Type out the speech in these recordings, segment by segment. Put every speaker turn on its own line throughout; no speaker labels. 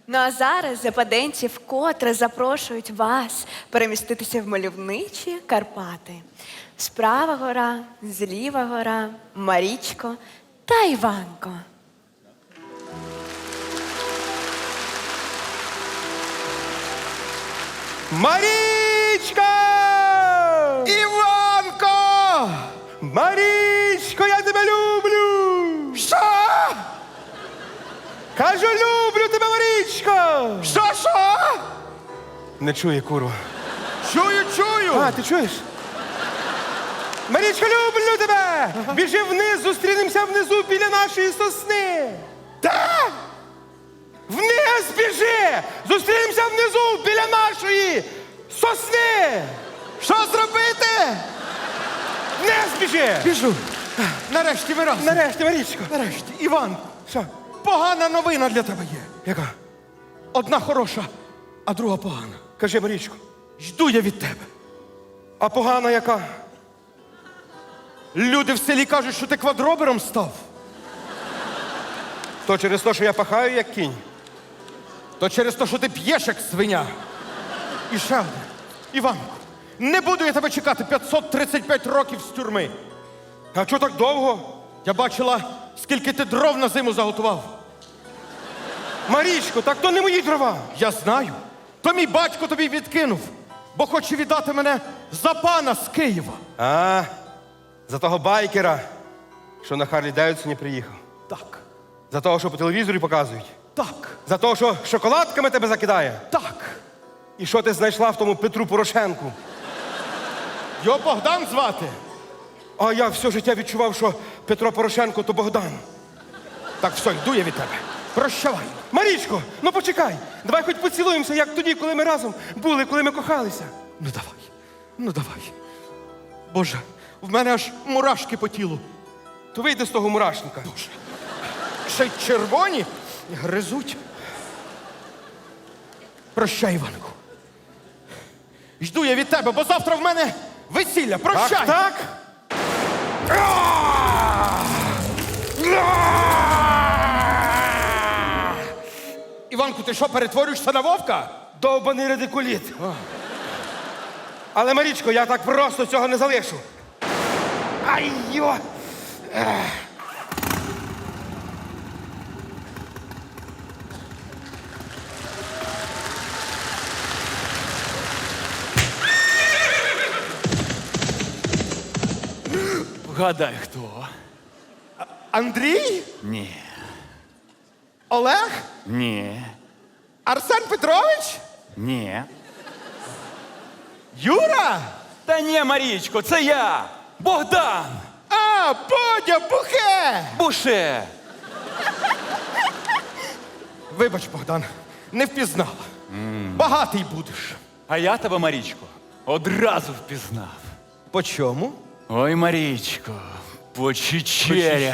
Ну а зараз западенці вкотре запрошують вас переміститися в мальовничі Карпати. Справа гора, зліва гора, Марічко та Іванко.
Марічка!
Іванко!
Марічко, я тебе люблю!
Що?
Кажу, люблю тебе, Марічко!
Що?
Не чує, курва.
Чую!
А, ти чуєш? Марічко, люблю тебе! Біжи вниз, зустрінемося внизу біля нашої сосни!
Де?
Вниз біжи! Зустрінемося внизу біля нашої сосни!
Що зробити?
Вниз біжи!
Біжу. Нарешті ми разом.
Нарешті, Марічко.
Нарешті. Іванко,
Що?
погана новина для тебе є.
Яка?
Одна хороша, а друга погана.
Кажи, Марічко.
Жду я від тебе.
А погана яка?
Люди в селі кажуть, що ти квадробером став.
То через те, що я пахаю, як кінь.
То через те, що ти п'єш, як свиня. І ще одне. Іванко, не буду я тебе чекати 535 років з тюрми.
А чого так довго?
Я бачила, скільки ти дров на зиму заготував.
Марічко, так то не мої дрова.
Я знаю. То мій батько тобі відкинув, бо хоче віддати мене за пана з Києва.
А, за того байкера, що на Харлі Девідсоні приїхав.
Так,
За того, що по телевізорі показують.
так,
За того, що шоколадками тебе закидає.
так.
І що ти знайшла в тому Петру Порошенку.
Його Богдан звати.
А я все життя відчував, що Петро Порошенко то Богдан.
Так, все, йду я від тебе. Прощавай.
Марічко, ну почекай. Давай хоч поцілуємося, як тоді, коли ми разом були, коли ми кохалися.
Ну давай. Боже, в мене аж мурашки по тілу.
То вийди з того мурашника.
Ще й червоні гризуть. Прощай, Іванку. Жду я від тебе, бо завтра в мене весілля. Прощай!
Так?
Іванку, ти що, перетворюєшся на вовка?
Довбаний радикуліт. Але, Марічко, я так просто цього не залишу. Ай-йо!
Вгадай, хто?
Андрій?
Ні.
Олег?
Ні.
Арсен Петрович?
Ні.
Юра?
Та ні, Марічко, це я! Богдан!
А, Бодя, Бухе!
Буше!
Вибач, Богдан, не впізнала. Багатий будеш.
А я тебе, Марічко, одразу впізнав.
По чому?
Ой, Марічко, по чечерях.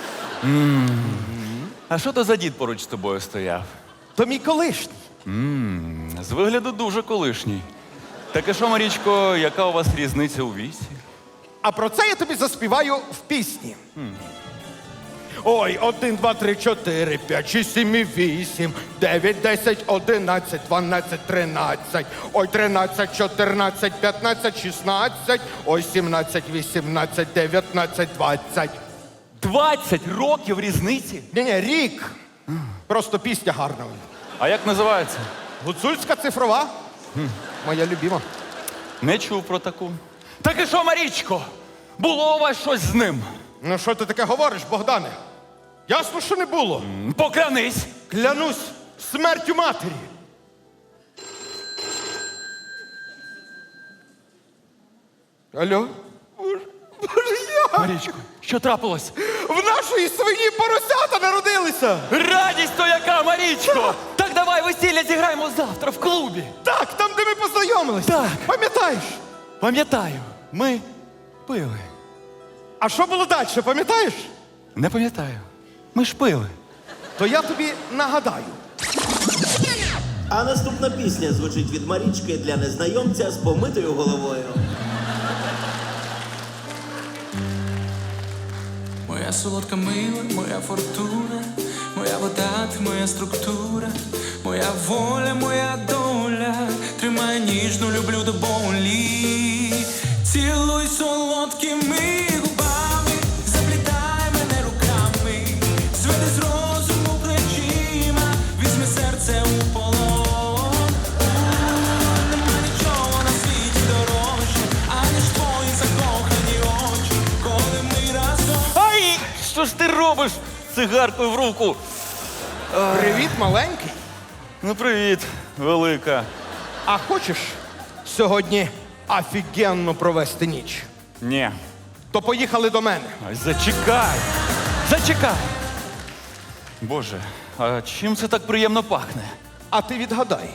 А що то за дід поруч з тобою стояв?
То мій колишній.
З вигляду дуже колишній. Так і що, Марічко, яка у вас різниця у віці?
А про це я тобі заспіваю в пісні. Ой, 1, 2, 3, 4, 5, 6, 7, 8, 9, 10, 11, 12, 13. Ой, 13, 14, 15, 16. Ой, 17, 18, 19, 20.
20 років різниці?
Ні, рік. Просто пісня гарна.
А як називається?
Гуцульська цифрова. Моя любима.
Не чув про таку. Так і що, Марічко? Було у вас щось з ним?
Ну що ти таке говориш, Богдане? Ясно, що не було.
Поклянись!
Клянусь смертю матері. Алло? Боже, я!
Марічко, що трапилось?
В нашої свині поросята народилися!
Радість то яка, Марічко! Так давай весілля зіграємо завтра в клубі.
Так, там, де ми познайомилися.
Так.
Пам'ятаєш?
Пам'ятаю, ми пили.
А що було далі, пам'ятаєш?
Не пам'ятаю. Ми ж пили.
То я тобі нагадаю.
А наступна пісня звучить від Марічки для незнайомця з помитою головою.
Моя солодка мила, моя фортуна, моя вода, ти моя структура, моя Твоя воля, моя доля, тримай ніжно, люблю до болі. Цілуй солодкими губами, заплітай мене руками, зведи з розуму плечима, візьми серце у полон. Нема нічого на світі дорожче, аніж твої закохані очі, коли ми разом.
Ай! Що ж ти робиш цигаркою в руку?
Привіт, маленький.
Ну, привіт, велика.
А хочеш сьогодні офігенно провести ніч?
Ні.
То поїхали до мене.
Ай, зачекай! Зачекай! Боже, а чим це так приємно пахне?
А ти відгадай.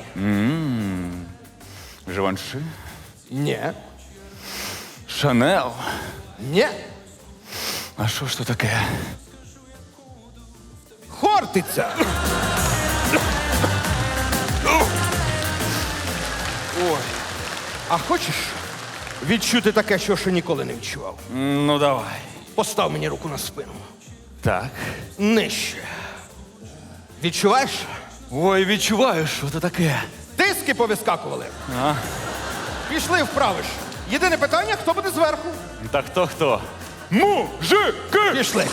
Живанши?
Ні.
Шанел?
Ні.
А що ж то таке?
Хортиця. Ой. А хочеш відчути таке, що ще ніколи не відчував?
Ну, давай.
Постав мені руку на спину.
Так.
Нижче. Відчуваєш?
Ой, відчуваю, що це таке.
Диски повискакували.
А?
Пішли вправиш. Єдине питання, хто буде зверху?
Так хто?
Мужики! Пішли.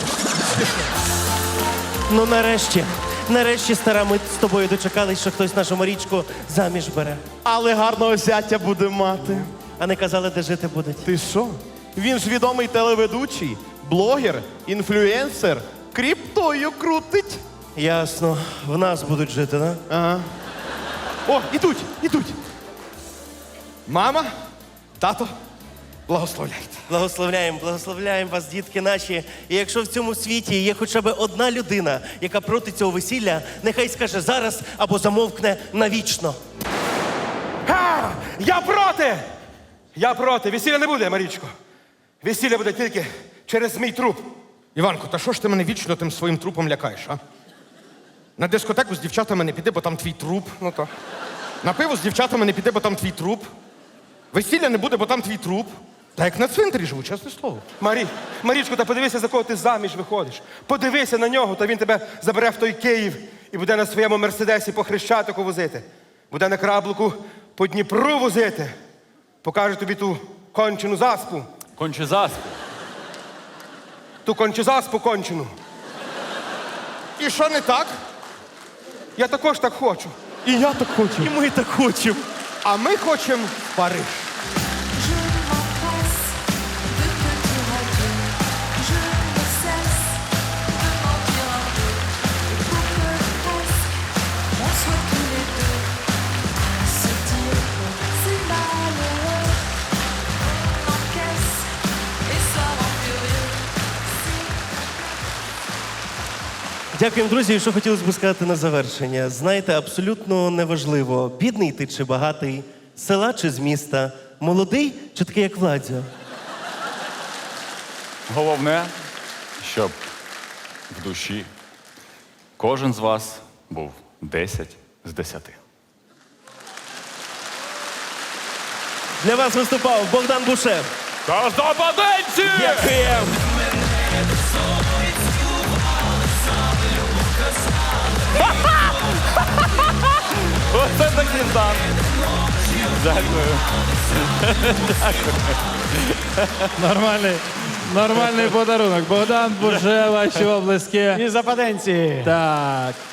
Ну нарешті, стара, ми з тобою дочекались, що хтось нашу Марічку заміж бере.
Але гарного зятя буде мати.
А не казали, де жити будуть.
Ти що? Він ж відомий телеведучий, блогер, інфлюенсер, кріптою крутить.
Ясно, в нас будуть жити, да?
Ага. О, ідуть.
Мама, тато, благословляйте.
Благословляємо вас, дітки наші. І якщо в цьому світі є хоча б одна людина, яка проти цього весілля, нехай скаже зараз або замовкне навічно.
Ха! Я проти! Я проти. Весілля не буде, Марічко. Весілля буде тільки через мій труп.
Іванко, та що ж ти мене вічно тим своїм трупом лякаєш, а? На дискотеку з дівчатами не піди, бо там твій труп. Ну то. На пиво з дівчатами не піди, бо там твій труп. Весілля не буде, бо там твій труп. Та як на цвинтарі живу, чесне слово.
Марічко, та подивися, за кого ти заміж виходиш. Подивися на нього, та він тебе забере в той Київ і буде на своєму мерседесі по Хрещатику возити. Буде на краблику по Дніпру возити. Покаже тобі ту кончену заспу.
Конче заспу.
Ту кончезаспу кончену.
І що не так?
Я також так хочу.
І я так хочу.
І ми так хочемо.
А ми хочемо в Париж.
Je m'empresse de te dire adieu. Je ne cesse de mentir un peu. Pour que presque on soit tous les deux. Se dire que c'est malheureux. On encaisse et ça rend furieux.
Дякуємо, друзі. І що хотілося б сказати на завершення. Знаєте, абсолютно неважливо, бідний ти чи багатий, з села чи з міста, молодий чи такий, як Владзо.
Головне, щоб в душі кожен з вас був 10 з 10.
Для вас виступав Богдан Бушев.
Казападенці!
Дякуємо.
Оце так дістан. Дякую.
Нормальний подарунок. Богдан Бушев, ваші облески.
І западенці.
Так.